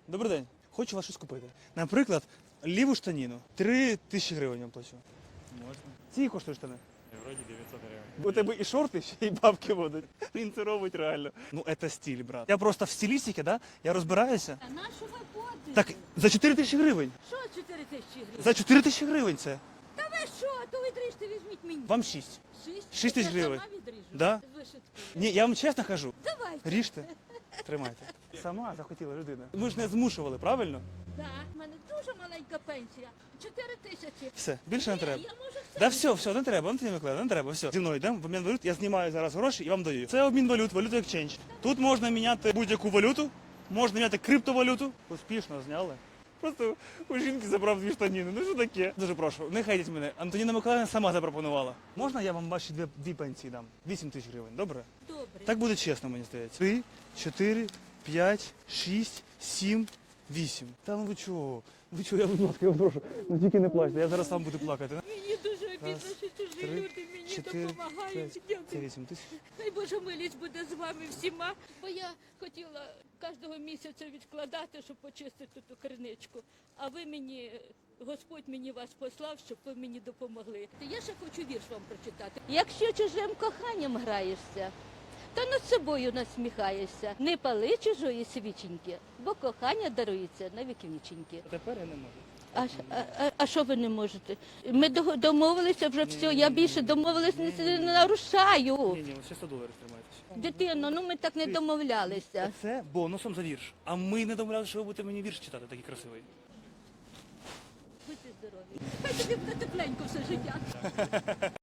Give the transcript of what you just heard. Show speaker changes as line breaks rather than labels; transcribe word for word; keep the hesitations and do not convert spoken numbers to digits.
Добрий день. Хочу вас щось купити. Наприклад, ліву штаніну. Три тисячі гривень вам плачу.
Можна.
Ці коштують штани.
Вроді дев'ятсот гривень.
У тебе і шорти, ще й бабки будуть. Він це робить реально. Ну, це стиль, брат. Я просто в стилістиці, да? Я розбираюся.
А на що ви ходите?
Так, за чотири тисячі гривень.
Що чотири тисячі гривень?
За чотири тисячі гривень це.
Та ви що? То відріжте, візьміть мені.
Вам шість.
Шість?
шість тисяч
Я
гривень.
сама відріжу.
Да?
Вишитку.
Ні, я вам чесно кажу.
Давайте.
Ріжте. Тримайте. Сама захотіла людина. Ми ж не змушували, правильно?
Так, в мене дуже маленька пенсія. Чотири тисячі.
Все, більше не
Ні,
треба.
Я можу все.
Да все, все, не треба, Антоні Миколаївна, не треба, все. Зі мною йдемо в обмін валют, я знімаю зараз гроші і вам даю. Це обмін валют, валюта екченж. Тут можна міняти будь-яку валюту, можна міняти криптовалюту. Успішно зняли. Просто у жінки забрав дві штаніни, ну що таке? Дуже прошу, не хейтіть мене. Антоніна Миколаївна сама запропонувала. Можна я вам ваші дві, дві пенсії дам? Вісім тисяч гривень, добре?
Добре.
Так буде чесно, мені здається. Три, чотири, п'ять, шість, сім, вісім. Та ну ви чого? Ви чого, я будь ласка, я вас прошу. Ну тільки не плачте, я зараз сам буду плакати.
Мені дуже обідно,
Раз,
що чужі
три,
люди мені
чотири,
допомагають.
Це
Дякую.
вісім тисяч.
Хай Божа милість буде з вами всіма. Бо я хотіла кожного місяця відкладати, щоб почистити ту криничку. А ви мені, Господь мені вас послав, щоб ви мені допомогли. Я ще хочу вірш вам прочитати. Якщо чужим коханням граєшся, то над собою насміхаєшся. Не пали чужої свіченьки, бо кохання дарується на віки віченьки.
Тепер я не можу.
А, ж- а, а, а що ви не можете? Ми до- домовилися вже все, я більше домовилась не, не нарушаю.
Ні, ні, ви ще сто доларів тримаєтесь.
Дитино, ну ми так не домовлялися.
Це бонусом за вірш. А ми не домовлялися, що ви будете мені вірш читати, такий красивий.
Будьте здорові. Хай тобі буде тепленько все життя.